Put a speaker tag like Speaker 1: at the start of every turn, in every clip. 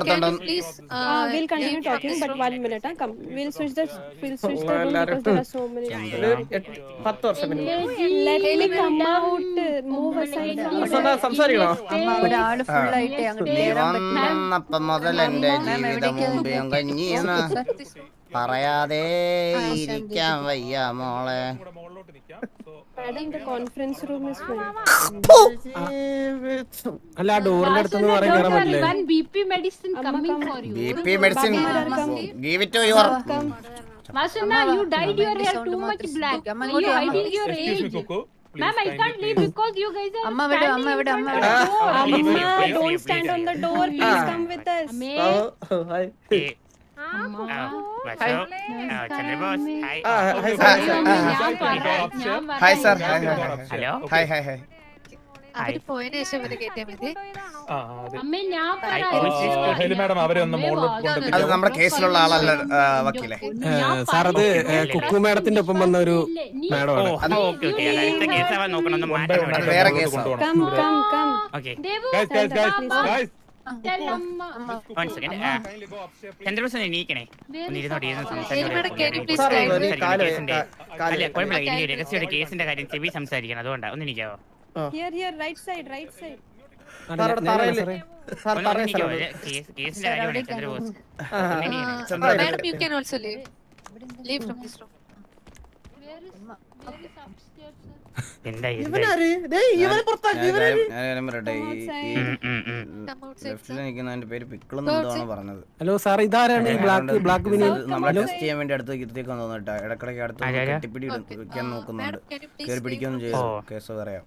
Speaker 1: please
Speaker 2: we'll continue talking, but 1 minute. Come, we'll switch the room because there are so many.
Speaker 3: 10 വർഷം
Speaker 2: Let me come out. Move aside.
Speaker 3: സംസാരിക്കണോ?
Speaker 4: ഒരാള് full ആയിട്ട്
Speaker 5: വന്നപ്പം മുതൽ എന്റെ ജീവിതം മുമ്പേയും കഞ്ഞീന്ന് പറയാതെ ഇരിക്കാൻ വയ്യ മോളെ.
Speaker 2: Madam, the conference room is full.
Speaker 3: അല്ല ഡോറിന്റെ അടുത്തൊന്നും പറയാൻ കയറാൻ പറ്റില്ലേ?
Speaker 6: BP medicine coming for you.
Speaker 5: BP medicine, give it to your.
Speaker 6: Masuna, you dyed your hair too much black. You hiding your age. Ma'am, I can't leave because you guys are
Speaker 4: Amma,
Speaker 2: don't stand on the door. Please come with us.
Speaker 5: Hi sir. Hello. Hi.
Speaker 1: അവര് പോയതിനു ശേഷം ഇവരെ കേട്ടിയാ മതി.
Speaker 7: Madam അവരെ ഒന്ന്
Speaker 5: അത് നമ്മുടെ കേസിലുള്ള ആളല്ല വക്കീലെ.
Speaker 3: സാർ അത് കുക്കു മാഡത്തിന്റെ ഒപ്പം വന്ന ഒരു മാഡമാണ്.
Speaker 5: അത് വേറെ കേസാണ്.
Speaker 2: Come.
Speaker 8: കേസിന്റെ കാര്യം ചെവി സംസാരിക്കണം, അതുകൊണ്ടാ. ഒന്ന് നിൽക്കാവോ?
Speaker 2: Here, right side.
Speaker 8: കേസിന്റെ കാര്യമാണ് Chandrabose.
Speaker 1: Madam, you can also leave from this room.
Speaker 8: എന്താ
Speaker 5: ലെഫ്റ്റിലിരിക്കുന്നതിന്റെ പേര് പിക്കിളെന്നാണ് പറഞ്ഞത്.
Speaker 3: ഹലോ സാർ, ഇതാരാണ് ഈ ബ്ലാക്ക്
Speaker 5: നമ്മളെ ടെസ്റ്റ് ചെയ്യാൻ വേണ്ടി അടുത്ത് ഇരുത്തേക്കാൻ തോന്നിട്ടാ. ഇടക്കിടക്ക് അടുത്ത് കെട്ടിപ്പിടി വെക്കാൻ നോക്കുന്നുണ്ട്. കയറി പിടിക്കൊന്നും ചെയ്തു. കേസ് പറയാം.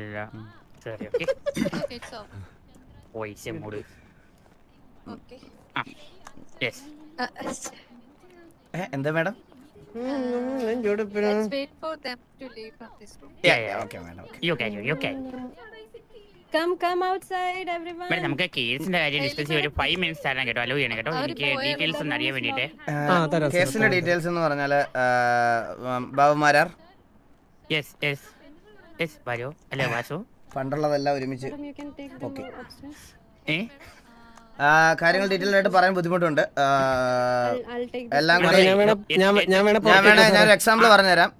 Speaker 5: എന്താ madam?
Speaker 1: Let's wait for them to leave from this room.
Speaker 5: Okay, madam.
Speaker 8: You can.
Speaker 2: Come outside, everyone.
Speaker 8: Madam, നമുക്ക് കേസിന്റെ കാര്യം ഡിസ്കസ് ചെയ്യാൻ ഒരു 5 minutes തരാൻ കേട്ടോ. അലോ ചെയ്യണം കേട്ടോ. എനിക്ക് ഡീറ്റെയിൽസ് ഒന്ന് അറിയാൻ വേണ്ടിട്ട്.
Speaker 5: കേസിന്റെ ഡീറ്റെയിൽസ് എന്ന് പറഞ്ഞാല് ബാബുമാരാർ.
Speaker 8: യെസ് വരോ അല്ലേ വാസു?
Speaker 5: പണ്ടുള്ളതെല്ലാം ഒരുമിച്ച്.
Speaker 2: You can take them upstairs.
Speaker 5: കാര്യങ്ങൾ ഡീറ്റെയിൽ ആയിട്ട് പറയാൻ ബുദ്ധിമുട്ടുണ്ട്.
Speaker 2: I'll take them.
Speaker 5: എല്ലാം കൂടെ ഞാനൊരു എക്സാമ്പിൾ പറഞ്ഞുതരാം.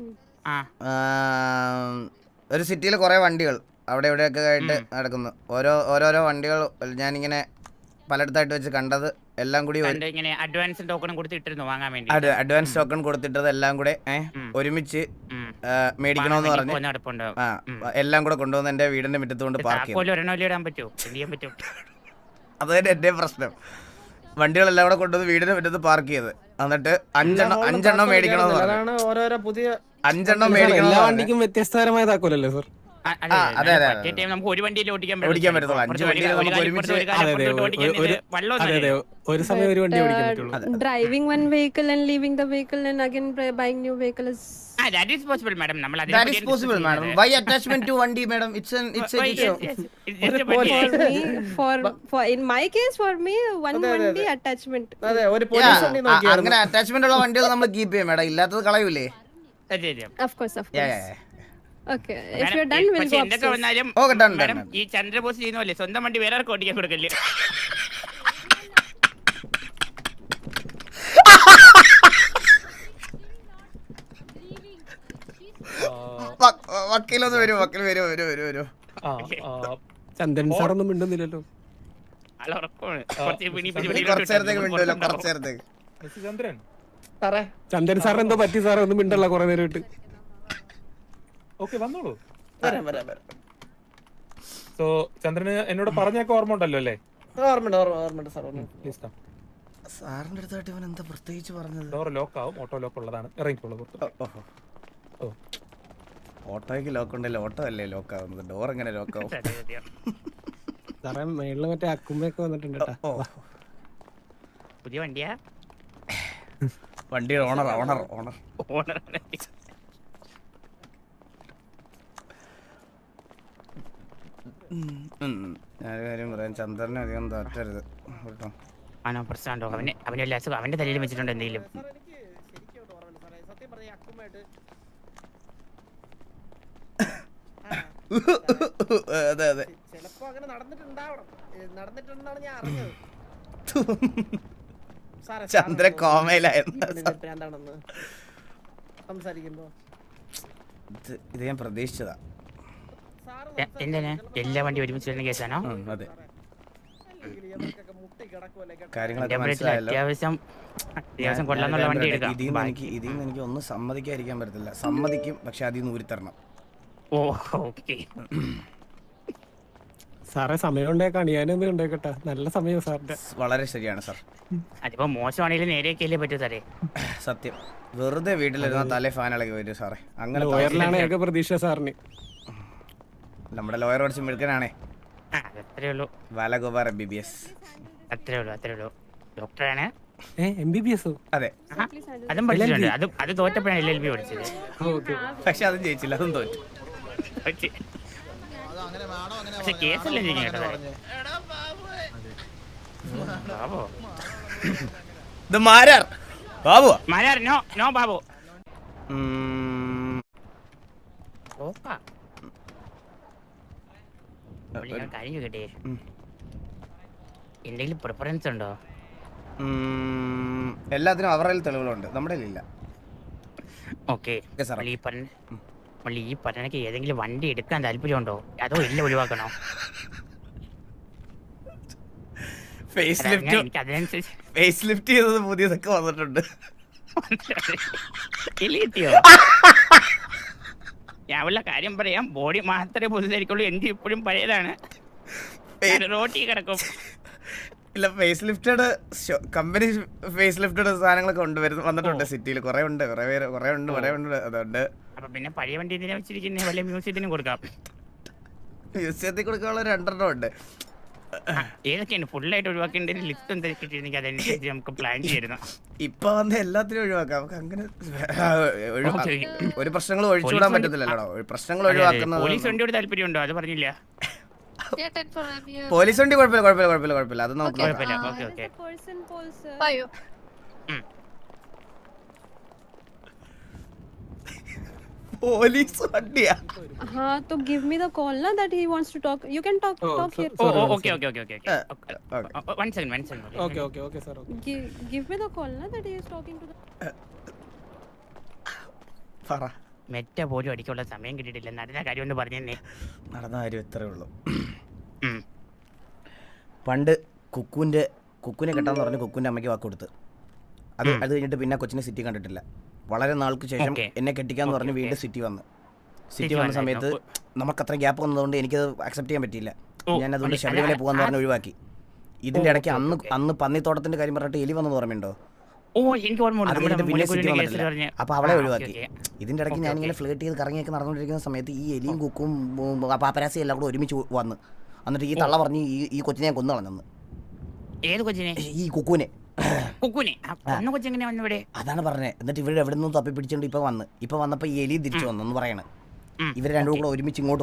Speaker 5: ഒരു സിറ്റിയിൽ കുറെ വണ്ടികൾ അവിടെ ഇവിടെയൊക്കെ ആയിട്ട് നടക്കുന്നു. ഓരോരോ വണ്ടികൾ ഞാനിങ്ങനെ പലയിടത്തായിട്ട് വെച്ച് കണ്ടത് എല്ലാം കൂടി
Speaker 8: അഡ്വാൻസ് ടോക്കൺ കൊടുത്തിട്ടിരുന്നു വാങ്ങാൻ വേണ്ടി.
Speaker 5: അഡ്വാൻസ് ടോക്കൺ കൊടുത്തിട്ടത് എല്ലാം കൂടെ ഒരുമിച്ച് മേടിക്കണമെന്ന് പറഞ്ഞു. എല്ലാം കൂടെ കൊണ്ടുവന്ന് എന്റെ വീടിന്റെ മുറ്റത്ത് കൊണ്ട് പാർക്ക് ചെയ്യും. അത് തന്നെ എന്റെ പ്രശ്നം. വണ്ടികളെല്ലാം കൂടെ കൊണ്ടുവന്ന് വീടിന്റെ മുറ്റത്ത് പാർക്ക് ചെയ്ത് എന്നിട്ട് അഞ്ചെണ്ണം മേടിക്കണമെന്ന് പറഞ്ഞു.
Speaker 3: ഓരോരോ പുതിയ
Speaker 5: 5 മേടിക്കണം.
Speaker 3: എല്ലാ വണ്ടിക്കും വ്യത്യസ്തപരമായതാക്കുമല്ലോ സാർ.
Speaker 5: അതെ
Speaker 8: നമുക്ക് ഒരു വണ്ടിയിൽ ഓടിക്കാൻ
Speaker 5: പറ്റത്തുള്ളൂ. 5 വണ്ടിയിൽ നമുക്ക് ഒരുമിച്ച്
Speaker 3: ഒരു സമയം ഒരു വണ്ടി ഓടിക്കാൻ പറ്റുള്ളൂ.
Speaker 2: Driving one vehicle and leaving the vehicle and again buying new vehicle is
Speaker 8: that is possible, madam.
Speaker 5: That is possible, madam. Why attachment to vandi, madam? It's
Speaker 2: for in my case for me one vandi attachment.
Speaker 3: അതെ, ഒരു police വണ്ടി നോക്കിയാ
Speaker 5: അങ്ങനെ attachment ഉള്ള വണ്ടികൾ നമ്മൾ keep ചെയ്യും madam. ഇല്ലാത്തത് കളയൂലേ?
Speaker 2: Of course. Okay, if you're done we'll go upstairs.
Speaker 5: Okay, done.
Speaker 8: ഈ ചന്ദ്രബോസ് ചെയ്യുന്നല്ലേ, സ്വന്തം വണ്ടി വേറെ ആർക്കും ഓടിക്കാൻ കൊടുക്കല്ലേ?
Speaker 5: വക്കീലൊന്ന് വരൂ.
Speaker 3: ചന്ദൻ സാറൊന്നും മിണ്ടുന്നില്ലല്ലോ.
Speaker 5: കുറച്ചേരത്തേക്ക് മിണ്ടല്ലോ. കുറച്ചേരത്തേക്ക്
Speaker 3: ചന്ദൻ സാർ എന്തോ പറ്റി സാറേ, ഒന്നും മിണ്ടല്ല കുറെ നേരമായിട്ട്.
Speaker 7: വന്നോളൂ. സോ ചന്ദ്രന് എന്നോട് പറഞ്ഞൊക്കെ ഓർമ്മ ഉണ്ടല്ലോ അല്ലേ?
Speaker 3: ഓർമ്മയുണ്ട് സാർ.
Speaker 5: സാറിന്റെ അടുത്തായിട്ട് ഇവൻ എന്താ പ്രത്യേകിച്ച് പറഞ്ഞത്?
Speaker 7: ഡോർ ലോക്ക് ആവും, ഓട്ടോ ലോക്ക് ഉള്ളതാണ്. ഇറങ്ങിക്കോളൂ.
Speaker 5: ഓട്ടോയ്ക്ക് ലോക്ക് ഉണ്ടല്ലോ. ഓട്ടോ അല്ലേ ലോക്ക് ആവുന്നത്, ഡോർ എങ്ങനെ ലോക്ക് ആവും?
Speaker 3: സാറേ മേളില് മറ്റേ അക്കുമ്പയൊക്കെ വന്നിട്ടുണ്ട്.
Speaker 8: പുതിയ വണ്ടിയാ?
Speaker 5: വണ്ടിയുടെ ഓണർ. ഞാനൊരു കാര്യം പറയാം, ചന്ദ്രനെ അധികം താറ്റരുത് കേട്ടോ.
Speaker 8: ആണോ പ്രശ്നമുണ്ടോ? അവന്റെ അസുഖം അവന്റെ തലയിൽ വെച്ചിട്ടുണ്ട് എന്തെങ്കിലും?
Speaker 5: അതെ
Speaker 3: ചിലപ്പോ അങ്ങനെ നടന്നിട്ടുണ്ടാവണം. നടന്നിട്ടുണ്ടെന്നാണ് ഞാൻ അറിഞ്ഞത്.
Speaker 5: ചന്ദ്ര കോമയിലായിരുന്നു. ഇത് ഞാൻ പ്രതീക്ഷിച്ചതാ.
Speaker 8: എന്താണ് എല്ലാ വണ്ടി ഒരുമിച്ച് വരുന്ന കേസാണോ?
Speaker 5: അതെ, കാര്യങ്ങളൊക്കെ മനസ്സിലായല്ലോ.
Speaker 8: അത്യാവശ്യം കൊള്ളാന്നുള്ള വണ്ടി എടുക്കാം.
Speaker 5: ഇതിന്ന് എനിക്ക് ഒന്നും സമ്മതിക്കാതിരിക്കാൻ പറ്റത്തില്ല. സമ്മതിക്കും, പക്ഷെ അതിൽ നിന്ന് ഊരിത്തരണം.
Speaker 8: ഓ ഓക്കെ
Speaker 3: സാറേ സമയം ഉണ്ടാക്കാണ് ഞാനൊന്നും ഉണ്ടാക്കട്ടെ. നല്ല സമയം സാറിന്റെ.
Speaker 5: വളരെ ശരിയാണ് സാർ.
Speaker 8: അതിപ്പോ മോശമാണെങ്കിലും നേരെയൊക്കെയല്ലേ പറ്റൂ സാറേ.
Speaker 5: സത്യം, വെറുതെ വീട്ടിലിരുന്ന തലേ ഫാനിളകി വരും സാറേ. അങ്ങനെ
Speaker 3: ലോയറിലാണ് ഏക പ്രതീക്ഷ സാറിന്.
Speaker 5: നമ്മുടെ ലോയർ പഠിച്ച് മിടുക്കനാണേ.
Speaker 8: അത്രേ ഉള്ളൂ.
Speaker 5: ബാലഗോപാൽ MBBS.
Speaker 8: അത്രേ ഉള്ളൂ. ഡോക്ടറാണ്.
Speaker 3: MBBS?
Speaker 5: അതെ,
Speaker 8: അതും പഠിച്ചിട്ടുണ്ട്. അത് തോറ്റപ്പോഴാണ് LLB പഠിച്ചത്.
Speaker 5: പക്ഷെ അതും ജയിച്ചില്ല, അതും തോറ്റു.
Speaker 8: പക്ഷെ കേസല്ലേ ചെയ്യും കേട്ടോ. ബാബു
Speaker 5: ഇത് മാരാർ ബാബു.
Speaker 8: മാരാർ നോ ബാബു. കാര്യം കേട്ടേ, എന്തെങ്കിലും പ്രിഫറൻസ് ഉണ്ടോ?
Speaker 5: എല്ലാത്തിനും അവരുടെ തെളിവുകളുണ്ട്, നമ്മുടെ ഇല്ല.
Speaker 8: ഓക്കെ, ഈ പറഞ്ഞക്ക് ഏതെങ്കിലും വണ്ടി എടുക്കാൻ താല്പര്യമുണ്ടോ, അതോ എല്ലാം ഒഴിവാക്കണോ?
Speaker 5: ഫേസ് ലിഫ്റ്റ് ചെയ്തത് പുതിയതൊക്കെ വന്നിട്ടുണ്ട്.
Speaker 8: ഞാൻ ഉള്ള കാര്യം പറയാം, ബോഡി മാത്രമേ പുതുതായിരിക്കുള്ളൂ. എനിക്ക് ഇപ്പോഴും പഴയതാണ്, റോട്ടി കിടക്കും.
Speaker 5: ഇല്ല, face lifted company face lifted സാധനങ്ങളൊക്കെ വന്നിട്ടുണ്ട് സിറ്റിയിൽ. കുറെ ഉണ്ട്. അതുകൊണ്ട്
Speaker 8: അപ്പൊ പിന്നെ പഴയ വണ്ടി എന്തിനാ വെച്ചിരിക്കുന്നത്? വല്ല മ്യൂസിയത്തിനും കൊടുക്കാം.
Speaker 5: മ്യൂസിയത്തിൽ കൊടുക്കാനുള്ള 2 ഉണ്ട്.
Speaker 8: ഏതൊക്കെയാണ് ഫുള്ളായിട്ട് ഒഴിവാക്കേണ്ട ലിസ്റ്റ് എന്തൊക്കെ അതനുസരിച്ച് നമുക്ക് പ്ലാൻ ചെയ്യുന്നു.
Speaker 5: ഇപ്പൊ വന്ന് എല്ലാത്തിനും ഒഴിവാക്കാം. നമുക്ക് അങ്ങനെ ഒരു പ്രശ്നങ്ങൾ ഒഴിച്ചുവിടാൻ പറ്റത്തില്ലല്ലോ. പ്രശ്നങ്ങൾ ഒഴിവാക്കുന്ന
Speaker 8: പോലീസ് വണ്ടിയോട് താല്പര്യമുണ്ടോ? അത് പറഞ്ഞില്ല.
Speaker 5: പോലീസ് വണ്ടി കുഴപ്പമില്ല. അത് നമുക്ക് പോലീസ് വണ്ടിയാ.
Speaker 2: हाँ तो give me the call ना that he wants to talk. You can talk here.
Speaker 8: Okay. One second.
Speaker 3: Okay sir.
Speaker 2: Give me the call ना that he is talking to the.
Speaker 5: പറ.
Speaker 8: മെറ്റ പോലും അടിക്കാനുള്ള സമയം കിട്ടിയിട്ടില്ല. നടന്ന കാര്യം ഒന്ന് പറഞ്ഞേ.
Speaker 5: നടന്ന കാര്യം ഇത്രേ ഉള്ളൂ. പണ്ട് കുക്കുനെ കെട്ടാന്ന് പറഞ്ഞ് കുക്കുന്റെ അമ്മയ്ക്ക് വാക്ക് കൊടുത്ത്. അത് കഴിഞ്ഞിട്ട് പിന്നെ കൊച്ചിനെ സിറ്റി കണ്ടിട്ടില്ല. വളരെ നാൾക്ക് ശേഷം എന്നെ കെട്ടിക്കാന്ന് പറഞ്ഞ് വീണ്ടും സിറ്റി വന്ന സമയത്ത് നമുക്ക് അത്ര ഗ്യാപ്പ് വന്നതുകൊണ്ട് എനിക്കത് അക്സെപ്റ്റ് ചെയ്യാൻ പറ്റിയില്ല. ഞാൻ അതുകൊണ്ട് ശബരിമല പോകാന്ന് പറഞ്ഞ് ഒഴിവാക്കി. ഇതിന്റെ ഇടയ്ക്ക് അന്ന് പന്നിത്തോട്ടത്തിന്റെ കാര്യം പറഞ്ഞിട്ട് എലി വന്നത് ഓർമ്മയുണ്ടോ? പിന്നെ സിറ്റി വന്നിട്ടില്ല. അപ്പൊ അവളെ ഒഴിവാക്കി. ഇതിന്റെ ഇടയ്ക്ക് ഞാനിങ്ങനെ ഫ്ലേട്ട് ചെയ്ത് കറങ്ങിയൊക്കെ നടന്നുകൊണ്ടിരിക്കുന്ന സമയത്ത് ഈ എലിയും കുക്കും പാപ്പരാസിയും എല്ലാം കൂടെ ഒരുമിച്ച് വന്ന് എന്നിട്ട് ഈ തള്ള പറഞ്ഞ് ഈ കൊച്ചിനെ ഞാൻ കൊന്നു കളഞ്ഞെന്ന്.
Speaker 8: ഏത് കൊച്ചിനെ?
Speaker 5: ഈ കുക്കുനെ.
Speaker 8: അതാണ്
Speaker 5: പറഞ്ഞത്. എന്നിട്ട് ഇവര് എവിടെ നിന്നും തപ്പി പിടിച്ചോണ്ട് ഇപ്പൊ വന്നപ്പോ ഈ എലി തിരിച്ചു വന്നു പറയണ. ഇവര് രണ്ടും കൂടെ ഒരുമിച്ച് ഇങ്ങോട്ട്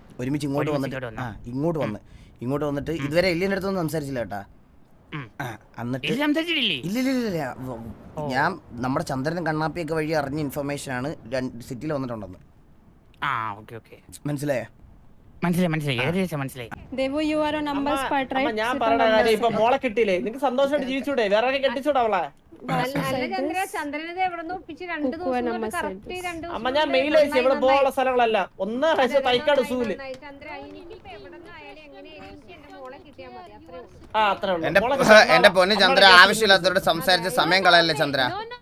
Speaker 5: വന്നിട്ട് ഇതുവരെ എല്ലിന്റെ അടുത്തൊന്നും സംസാരിച്ചില്ല കേട്ടാ. എന്നിട്ട് ഇല്ല ഞാൻ നമ്മുടെ ചന്ദ്രനും കണ്ണാപ്പിയൊക്കെ വഴി അറിഞ്ഞ ഇൻഫർമേഷൻ ആണ് സിറ്റിയിൽ വന്നിട്ടുണ്ടെന്ന്. മനസ്സിലായോ?
Speaker 8: മനസ്സിലായി.
Speaker 2: Devo, you are a numbers part, right?
Speaker 9: ഞാൻ പറഞ്ഞ കാര്യം ഇപ്പൊ മോളെ കിട്ടിയില്ലേ, നിനക്ക് സന്തോഷമായിട്ട് ജീവിച്ചൂടെ? വേറെ കെട്ടിച്ചൂടെ അവളെ? അമ്മ ഞാൻ മെയിൽ അയച്ചു ഇവിടെ പോകാനുള്ള സ്ഥലങ്ങളല്ല. ഒന്ന് തൈക്കാട് സൂല്.
Speaker 5: എന്റെ പൊന്ന് ചന്ദ്ര, ആവശ്യമില്ലാത്തവരോട് സംസാരിച്ച് സമയം കളയല്ലേ ചന്ദ്ര.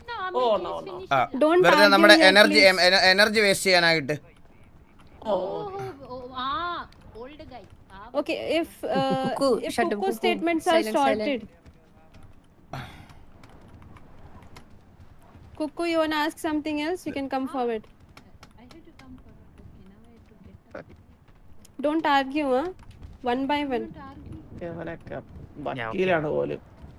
Speaker 5: വെറുതെ നമ്മുടെ എനർജി വേസ്റ്റ് ചെയ്യാനായിട്ട്.
Speaker 2: Okay, if Kuku statements are sorted. Kuku, you wanna ask something else? You can come forward. Don't argue, huh? One by one.
Speaker 9: വക്കീലാണ് പോലും.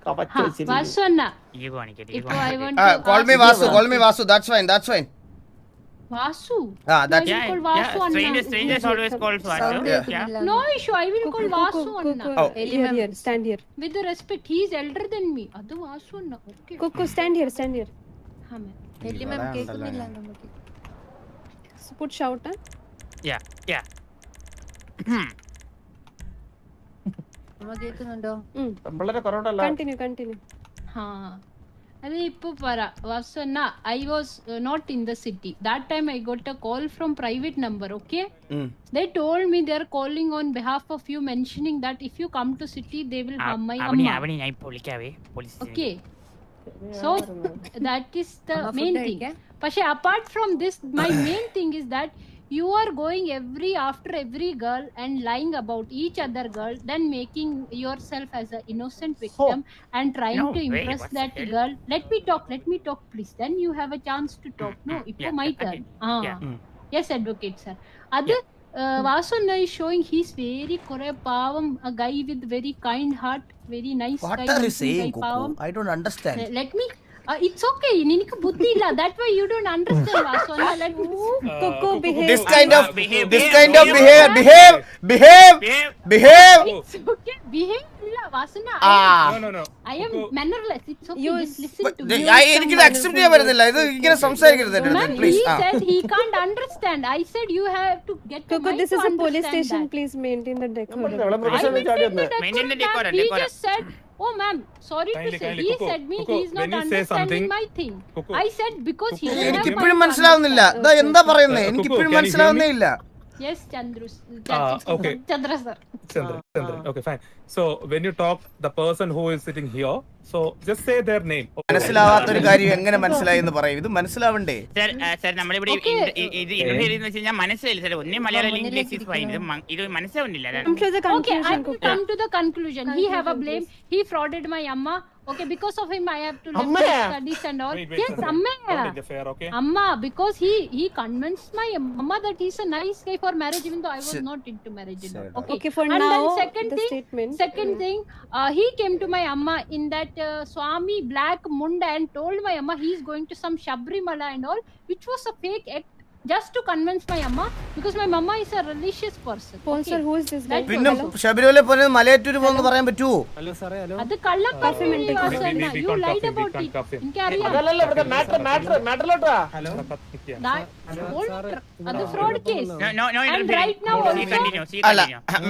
Speaker 5: Call me Vasu. That's fine.
Speaker 6: Vasu?
Speaker 5: That's
Speaker 8: strangers always call Vasu.
Speaker 6: No issue, I will call Vasu Anna.
Speaker 2: Here, stand here.
Speaker 6: With the respect, he is elder than me. Adu Vasu Anna. Okay.
Speaker 2: Kuku, stand here.
Speaker 6: Ha ma'am.
Speaker 1: Ellie ma'am കേൾക്കുന്നില്ല നമുക്ക്.
Speaker 2: So put shout, huh?
Speaker 8: Yeah.
Speaker 4: കേൾക്കുന്നുണ്ടോ?
Speaker 9: വളരെ കുറവുണ്ടല്ലോ.
Speaker 2: Continue.
Speaker 6: അതെ ഇപ്പൊ പറ വാസന I was not in the city that time. I got a call from private number. Okay, they told me they are calling on behalf of you, mentioning that if you come to city they will harm my amma. Okay, so that is the main thing. But apart from this, my main thing is that you are going after every girl and lying about each other girl, then making yourself as an innocent victim and trying to impress that girl. Let me talk please, then you have a chance to talk. No, it's my turn. Yes, advocate sir. Adu Vasuna is showing he's very pavam, a guy with very kind heart, very nice guy.
Speaker 5: What are you saying, Kuku? I don't understand.
Speaker 6: Let me it's okay, ninukku buddhi illa, that way you don't understand Vasuna. Let me
Speaker 2: Coco, behave.
Speaker 5: This kind of
Speaker 8: behave.
Speaker 6: It's okay, behave illa Vasuna.
Speaker 7: No.
Speaker 6: I am mannerless. It's okay, just listen to me.
Speaker 5: എനിക്കിത് accept ചെയ്യാൻ പറ്റുന്നില്ല. ഇത് ഇങ്ങനെ സംസാരിക്കരുത്
Speaker 6: Man,
Speaker 5: please.
Speaker 6: he said he can't understand. I said you have to get to
Speaker 2: Coco,
Speaker 6: mind
Speaker 2: this
Speaker 6: to
Speaker 2: is a police
Speaker 6: understand
Speaker 2: station.
Speaker 6: that.
Speaker 2: Please maintain the decorum.
Speaker 9: നമ്മളെ
Speaker 6: I
Speaker 9: professional ചാടി വന്ന്.
Speaker 8: Maintain the
Speaker 6: decorum,
Speaker 8: decorum,
Speaker 6: he
Speaker 8: decorum.
Speaker 6: just said, oh ma'am, sorry
Speaker 7: Kindly,
Speaker 6: to say,
Speaker 7: kindly,
Speaker 6: he
Speaker 7: Coco,
Speaker 6: said me
Speaker 7: Coco,
Speaker 6: he's not
Speaker 7: when you say
Speaker 6: understanding
Speaker 7: something-
Speaker 6: my thing.
Speaker 7: Coco,
Speaker 6: I said because he
Speaker 7: Coco,
Speaker 6: doesn't
Speaker 5: എനിക്ക്
Speaker 6: have
Speaker 5: ഇപ്പോഴും
Speaker 6: mind to
Speaker 5: മനസ്സിലാവുന്നില്ല.
Speaker 6: understand.
Speaker 5: ഇതാ എന്താ പറയുന്നത്? എനിക്ക്
Speaker 7: Coco,
Speaker 5: ഇപ്പോഴും
Speaker 7: can you hear me?
Speaker 5: മനസ്സിലാവുന്നേ ഇല്ല.
Speaker 6: Yes, Chandru.
Speaker 7: okay.
Speaker 6: Chandra sir.
Speaker 7: Chandran. Okay, fine. So when you talk, the person who is sitting here, so just say their name.
Speaker 5: മനസ്സിലാവാത്തൊരു കാര്യം എങ്ങനെ മനസ്സിലായി എന്ന് പറയും. ഇത് മനസ്സിലാവണ്ടേ?
Speaker 8: സർ നമ്മളിവിടെ ഇത് ഇന്റർവ്യൂ ചെയ്തെന്ന് വെച്ച് കഴിഞ്ഞാൽ മനസ്സിലായില്ല സാർ. ഒന്നേ മലയാളം അല്ലെങ്കിൽ ഇംഗ്ലീഷ് is fine. ഇത് മനസ്സിലാവുന്നില്ല.
Speaker 2: Come to the
Speaker 6: Okay, I
Speaker 2: conclusion,
Speaker 6: will
Speaker 2: Coco.
Speaker 6: come to the conclusion. He have a blame. He frauded my amma. Okay, because of him I have to leave
Speaker 9: Amma?
Speaker 6: my studies and all.
Speaker 7: Wait,
Speaker 6: Yes,
Speaker 7: Chandran.
Speaker 6: amma.
Speaker 7: Don't interfere, okay?
Speaker 6: Amma, because he convinced my amma that he's a nice guy for marriage, even though I was not into marriage and all. Okay.
Speaker 2: Okay, for
Speaker 6: And
Speaker 2: now,
Speaker 6: then second thing, he came to my amma in that Swami black munda and told my amma he's going to some Shabrimala and all, which was a fake act just to convince my amma, because my mama is a religious person.
Speaker 2: Sponsor, who is this guy?
Speaker 5: പിന്നെ ശബരിമല പോലെ മലയാറ്റൂര് പോകുന്ന പറയാൻ പറ്റുമോ?
Speaker 6: അത് കള്ളക്കഫിമി വാസന.
Speaker 7: we
Speaker 6: You
Speaker 7: can't
Speaker 6: lied
Speaker 7: cuff him, we
Speaker 6: about
Speaker 7: can't
Speaker 6: it.
Speaker 7: cuff him.
Speaker 6: എനിക്കറിയാം.
Speaker 9: അതല്ലല്ലോ ഇവിടുത്തെ മാറ്ററിലോട്ട് വാ.
Speaker 6: അത് fraud case.
Speaker 8: No
Speaker 6: And
Speaker 8: interfering.
Speaker 6: right now
Speaker 8: She continue.
Speaker 5: അല്ല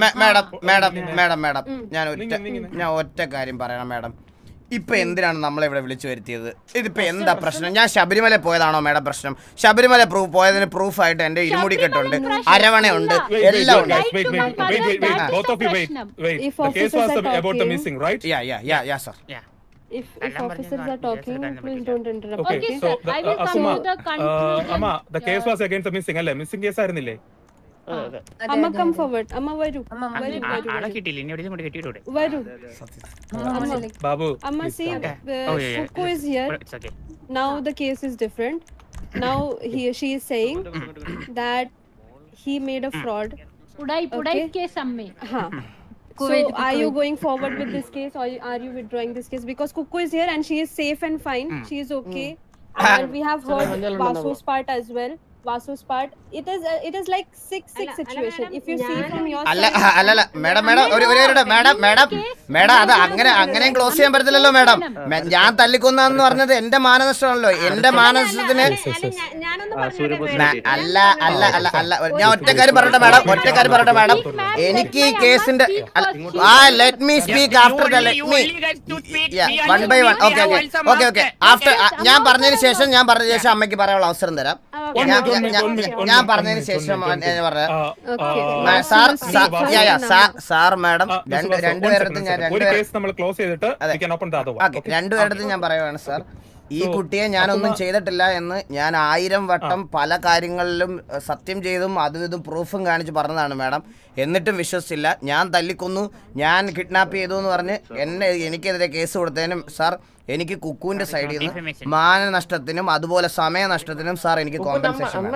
Speaker 5: മാഡം ഞാൻ ഒറ്റ കാര്യം പറയണം മാഡം. ഇപ്പൊ എന്തിനാണ് നമ്മളിവിടെ വിളിച്ചു വരുത്തിയത്? ഇതിപ്പോ എന്താ പ്രശ്നം? ഞാൻ ശബരിമല പോയതാണോ മാഡം പ്രശ്നം? ശബരിമല പോയതിന് പ്രൂഫായിട്ട് എന്റെ ഇരുമുടി കെട്ടുണ്ട്, അരവണയുണ്ട്, എല്ലാം ഉണ്ട്.
Speaker 7: Wait. Both of you wait.
Speaker 2: If
Speaker 7: The case
Speaker 2: officers
Speaker 7: was
Speaker 2: are
Speaker 7: about the
Speaker 2: talking-
Speaker 7: missing, right?
Speaker 5: Yeah, sir.
Speaker 2: If officers are talking, please don't interrupt.
Speaker 7: Okay,
Speaker 6: Okay,
Speaker 7: so
Speaker 6: sir. I will come
Speaker 7: Asuma,
Speaker 6: to the conclusion.
Speaker 7: Amma, the case was against the missing, അല്ലേ? Missing case ആയിരുന്നില്ലേ?
Speaker 2: Amma, come forward. Amma, varu.
Speaker 8: ആളെ കിട്ടിയില്ല. ഇനി എവിടെയും കൊണ്ട് കെട്ടിയിട്ടൂടെ?
Speaker 2: Varu.
Speaker 7: Babu,
Speaker 2: Amma,
Speaker 7: please
Speaker 2: see,
Speaker 7: calm down.
Speaker 2: Kuku is here.
Speaker 8: It's okay.
Speaker 2: Now the case is different. Now she is saying that he made a fraud.
Speaker 6: Pudai case amme.
Speaker 2: Huh. So are you going forward with this case, or are you withdrawing this case? Because Kuku is here and she is safe and fine. She is okay. And we have heard Vasu's part as well. Vasu's part. It is like 6-6 situation. If you see from your
Speaker 5: അല്ല
Speaker 2: side.
Speaker 5: Madam അത് അങ്ങനെയും close ചെയ്യാൻ പറ്റത്തില്ലല്ലോ madam. ഞാൻ തല്ലിക്കൊന്നു പറഞ്ഞത് എന്റെ മാനനഷ്ടമാണല്ലോ. എന്റെ മാനനഷ്ടത്തിന് അല്ല ഞാൻ ഒറ്റക്കാര്യം പറയട്ടെ മാഡം. എനിക്ക് ഈ കേസിന്റെ let me speak after the let me one by one. Okay after ഞാൻ പറഞ്ഞതിന് ശേഷം അമ്മയ്ക്ക് പറയാനുള്ള അവസരം തരാം. ഞാൻ പറഞ്ഞതിന് ശേഷം സാർ മാഡം രണ്ടുപേരടുത്ത് ഞാൻ പറയുവാണ് സാർ, ഈ കുട്ടിയെ ഞാനൊന്നും ചെയ്തിട്ടില്ല എന്ന് ഞാൻ 1000 വട്ടം പല കാര്യങ്ങളിലും സത്യം ചെയ്തും അതും ഇതും പ്രൂഫും കാണിച്ച് പറഞ്ഞതാണ് മാഡം. എന്നിട്ടും വിശ്വസിച്ചില്ല. ഞാൻ തല്ലിക്കൊന്നു, ഞാൻ കിഡ്നാപ്പ് ചെയ്തു എന്ന് പറഞ്ഞ് എനിക്കെതിരെ കേസ് കൊടുത്തതിനും സാർ എനിക്ക് കുക്കുവിന്റെ സൈഡിൽ നിന്ന് മാനനഷ്ടത്തിനും അതുപോലെ സമയനഷ്ടത്തിനും സാർ എനിക്ക് കോമ്പൻസേഷൻ വേണം.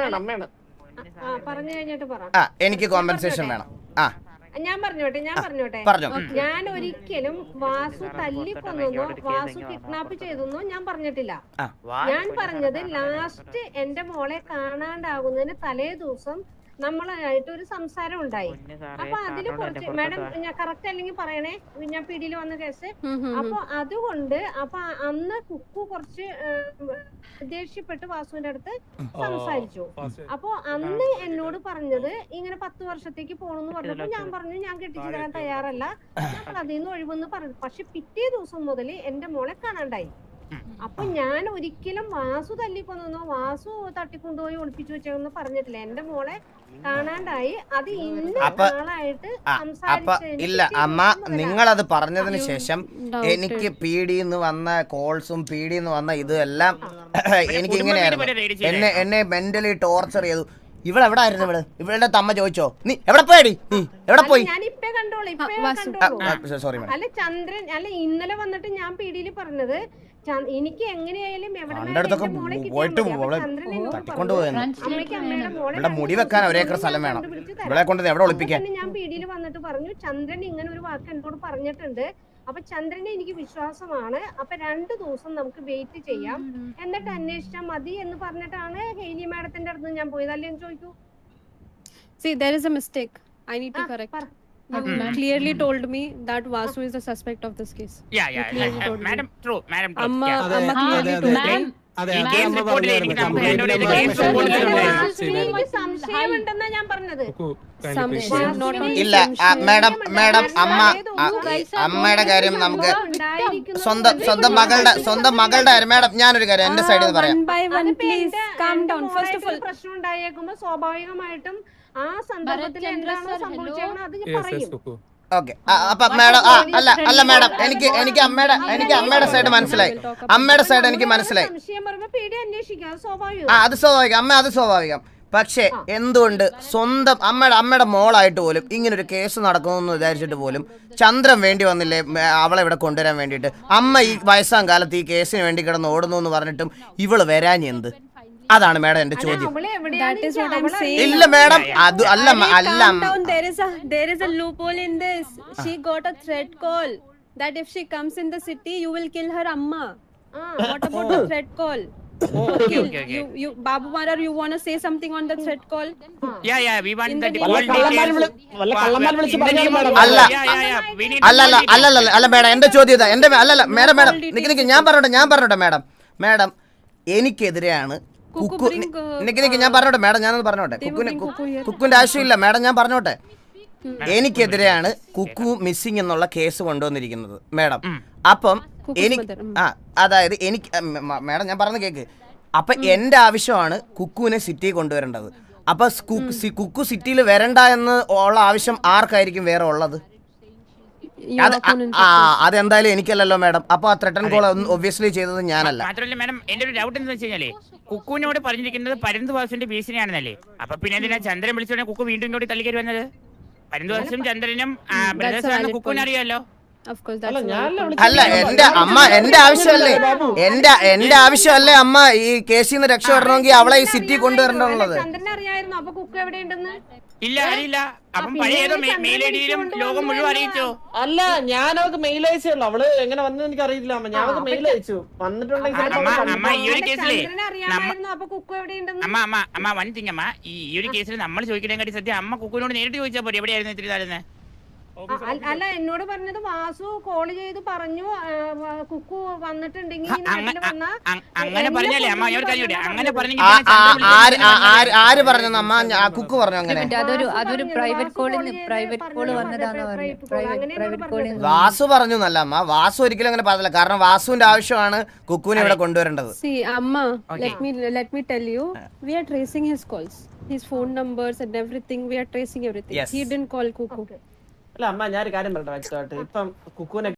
Speaker 5: എനിക്ക് കോമ്പൻസേഷൻ വേണം.
Speaker 10: ഞാൻ പറഞ്ഞോട്ടെ
Speaker 5: പറഞ്ഞോ.
Speaker 10: ഞാൻ ഒരിക്കലും വാസു തല്ലിക്കൊന്നോ വാസു കിഡ്നാപ്പ് ചെയ്തെന്നോ ഞാൻ പറഞ്ഞിട്ടില്ല. ഞാൻ പറഞ്ഞത് ലാസ്റ്റ് എന്റെ മോളെ കാണാണ്ടാകുന്നതിന് തലേ ദിവസം നമ്മളായിട്ട് ഒരു സംസാരം ഉണ്ടായി. അപ്പൊ അതില് കുറച്ച് മാഡം ഞാൻ കറക്റ്റ് അല്ലെങ്കിൽ പറയണേ, ഞാൻ പിടിയിൽ വന്ന കേസ്. അപ്പൊ അതുകൊണ്ട് അപ്പൊ അന്ന് കുക്കു കുറച്ച് ദേഷ്യപ്പെട്ട് വാസുവിന്റെ അടുത്ത് സംസാരിച്ചു. അപ്പൊ അന്ന് എന്നോട് പറഞ്ഞത് ഇങ്ങനെ 10 വർഷത്തേക്ക് പോണെന്ന് പറഞ്ഞപ്പോ ഞാൻ പറഞ്ഞു ഞാൻ കെട്ടിച്ചു തരാൻ തയ്യാറല്ല, ഞങ്ങൾ അതിൽ നിന്ന് ഒഴിവെന്ന് പറഞ്ഞു. പക്ഷെ പിറ്റേ ദിവസം മുതൽ എന്റെ മോളെ കാണാണ്ടായി. അപ്പൊ ഞാൻ ഒരിക്കലും വാസു തല്ലിക്കൊന്നോ വാസു തട്ടിക്കൊണ്ടുപോയി ഒളിപ്പിച്ചു വെച്ചെന്ന് പറഞ്ഞിട്ടില്ല. എന്റെ മോളെ കാണാണ്ടായി. അത് ഇന്ന ആളായിട്ട്
Speaker 5: ഇല്ല അമ്മ, നിങ്ങളത് പറഞ്ഞതിന് ശേഷം എനിക്ക് പീഡിന്ന് വന്ന കോൾസും പീഡിന്ന് വന്ന ഇതെല്ലാം എനിക്ക് ഇങ്ങനെയായിരുന്നു. എന്നെ മെന്റലി ടോർച്ചർ ചെയ്തു. ഇവളെവിടെ ആയിരുന്നു? ഇവളുടെ തമ്മ ചോദിച്ചോ നീ എവിടെ പോയടി, നീ എവിടെ പോയി?
Speaker 10: ഞാൻ ഇപ്പേ കണ്ടോളൂ.
Speaker 5: സോറി
Speaker 10: അല്ല ചന്ദ്രൻ അല്ല ഇന്നലെ വന്നിട്ട് ഞാൻ പീഡിയിൽ പറഞ്ഞത് എനിക്ക് എങ്ങനെയായാലും
Speaker 5: മുടി വെക്കാൻ ഒരേക്കർ സ്ഥലം വേണം, ഇവിടെ കൊണ്ട് എവിടെ ഒളിപ്പിക്കാൻ.
Speaker 10: ഞാൻ പീഡിയിൽ വന്നിട്ട് പറഞ്ഞു ചന്ദ്രൻ ഇങ്ങനെ ഒരു വാക്ക് എന്നോട് പറഞ്ഞിട്ടുണ്ട്. അപ്പൊ ചന്ദ്രനെ എനിക്ക് വിശ്വാസമാണ്. അപ്പൊ 2 ദിവസം നമുക്ക് വെയിറ്റ് ചെയ്യാം, എന്നിട്ട് അന്വേഷിച്ചാൽ മതി എന്ന് പറഞ്ഞിട്ടാണ് ഹെയ്ലി മാഡത്തിന്റെ അടുത്ത് ഞാൻ പോയത്. അല്ലേന്ന് ചോദിക്കൂ.
Speaker 2: See, there is a mistake. I need to correct. You clearly told me that Vasu is the suspect of this case.
Speaker 8: Yeah, madam, true.
Speaker 2: Amma clearly told me.
Speaker 10: സംശയമുണ്ടെന്നാ ഞാൻ പറഞ്ഞത്.
Speaker 5: ഇല്ല മാഡം അമ്മയുടെ കാര്യം നമുക്ക് സ്വന്തം മകളുടെ കാര്യം. മാഡം ഞാനൊരു കാര്യം എന്റെ സൈഡിൽ നിന്ന് പറയാം.
Speaker 10: പ്രശ്നം ഉണ്ടായേക്കുമ്പോ സ്വാഭാവികമായിട്ടും ആ സന്ദർഭത്തിൽ എന്താണോ സംഭവിച്ചേക്കണം അത് ഞാൻ പറയും.
Speaker 5: ഓക്കെ, അപ്പൊ മാഡം അല്ല മാഡം എനിക്ക് അമ്മയുടെ സൈഡ് മനസ്സിലായി. അമ്മയുടെ സൈഡ് എനിക്ക് മനസ്സിലായി. അത് സ്വാഭാവികം അമ്മ, അത് സ്വാഭാവികം. പക്ഷെ എന്തുകൊണ്ട് സ്വന്തം അമ്മയുടെ മോളായിട്ട് പോലും ഇങ്ങനൊരു കേസ് നടക്കുന്നു വിചാരിച്ചിട്ട് പോലും ചന്ദ്രൻ വേണ്ടി വന്നില്ലേ അവളെ ഇവിടെ കൊണ്ടുവരാൻ വേണ്ടിയിട്ട്? അമ്മ ഈ വയസ്സാം കാലത്ത് ഈ കേസിന് വേണ്ടി കിടന്ന് ഓടുന്നു എന്ന് പറഞ്ഞിട്ടും ഇവള് വരാഞ്ഞ് എന്ത്? അതാണ് മാഡം എന്റെ ചോദ്യം. ഇല്ല മാഡം, അത്
Speaker 2: there is a loophole in this. She got a threat call that if she comes in the city you will kill her amma. What about the threat call?
Speaker 8: Okay.
Speaker 2: You Babu Marar, you want to say something on the threat call?
Speaker 8: Yeah, we want the
Speaker 5: അല്ല madam എന്റെ ചോദ്യം madam നിക്ക് ഞാൻ പറഞ്ഞോട്ടെ madam എനിക്കെതിരെയാണ് Kuku. ഞാൻ പറഞ്ഞോട്ടെ madam, ഞാനത് പറഞ്ഞോട്ടെ. കുക്കുവിന്റെ ആവശ്യമില്ല മാഡം, ഞാൻ പറഞ്ഞോട്ടെ. എനിക്കെതിരെയാണ് കുക്കു മിസ്സിംഗ് എന്നുള്ള കേസ് കൊണ്ടുവന്നിരിക്കുന്നത് മാഡം. അപ്പം അതായത് എനിക്ക് മാഡം ഞാൻ പറഞ്ഞ കേക്ക്. അപ്പൊ എന്റെ ആവശ്യമാണ് കുക്കുവിനെ സിറ്റി കൊണ്ടുവരേണ്ടത്. അപ്പൊ കുക്കു സിറ്റിയിൽ വരണ്ട എന്ന് ഉള്ള ആവശ്യം ആർക്കായിരിക്കും വേറെ ഉള്ളത്? അതെന്തായാലും എനിക്കല്ലല്ലോ മാഡം. അപ്പൊ ആ ത്രെട്ടൻ കോൾ ഒബ്വിയസ്ലി ചെയ്തത് ഞാനല്ല.
Speaker 8: മാത്രമല്ല മാഡം, എന്റെ ഒരു ഡൗട്ട് എന്താ വെച്ച് കഴിഞ്ഞാല് കുക്കുവിനോട് പറഞ്ഞിരിക്കുന്നത് പരന്തുവാസിന്റെ ഭീഷണിയാണെന്നല്ലേ. അപ്പൊ പിന്നെ എന്തിനാ ചന്ദ്രൻ വിളിച്ചോടെ കുക്കു വീണ്ടും ഇങ്ങോട്ട് തള്ളിക്കറി വന്നത്? പരന്തുവാസും ചന്ദ്രനും ബ്രദേഴ്സാണെന്ന് കുക്കുവിന് അറിയാമല്ലോ.
Speaker 5: അല്ല എന്റെ ആവശ്യമല്ലേ അമ്മ ഈ കേസിൽ നിന്ന് രക്ഷപ്പെടണമെങ്കിൽ അവളെ ഈ സിറ്റി കൊണ്ടുവരേണ്ടത്.
Speaker 8: ഇല്ല അറിയില്ല. അപ്പം പഴയ മെയിൽ ഐഡിയിലും ലോകം മുഴുവൻ അറിയിച്ചോ?
Speaker 9: അല്ല ഞാൻ അവർക്ക് മെയിൽ അയച്ചുള്ളൂ. അവള് എങ്ങനെ വന്നു എനിക്ക് അറിയില്ല. ഞാൻ അവർക്ക് മെയിൽ അയച്ചു വന്നിട്ടുണ്ടെങ്കിൽ
Speaker 8: അമ്മ ഈ ഒരു കേസിലെ അമ്മ വൺ തിങ് അമ്മ ഈ ഒരു കേസിൽ നമ്മൾ ചോദിക്കണേക്കാട്ടി സത്യം അമ്മ കുക്കുവിനോട് നേരിട്ട് ചോദിച്ചാൽ പോരെ എവിടെയായിരുന്നു ഇത്തിരി താഴ്ന്നത്?
Speaker 10: അല്ല എന്നോട് പറഞ്ഞത് വാസു കോൾ ചെയ്ത് പറഞ്ഞു കുക്കു വന്നിട്ടുണ്ടെങ്കിൽ
Speaker 8: അങ്ങനെ പറഞ്ഞല്ലേ അമ്മ? അങ്ങനെ
Speaker 5: ആര് പറഞ്ഞു അമ്മ? കുക്കു പറഞ്ഞു അങ്ങനെ.
Speaker 4: അതൊരു പ്രൈവറ്റ് കോൾ വന്നതാന്ന് പറഞ്ഞു.
Speaker 5: വാസു പറഞ്ഞു എന്നല്ല അമ്മ, വാസു ഒരിക്കലും അങ്ങനെ പറഞ്ഞില്ല. കാരണം വാസുവിന്റെ ആവശ്യമാണ് കുക്കുവിനെ ഇവിടെ കൊണ്ടുവരേണ്ടത്.
Speaker 2: Amma, let me tell you, we are tracing his calls, his phone numbers and everything. We are tracing everything. He didn't call Kuku.
Speaker 9: അല്ല അമ്മ ഞാനൊരു കാര്യം പറയട്ടെ വ്യക്തമായിട്ട്. ഇപ്പം കുക്കുവിനെ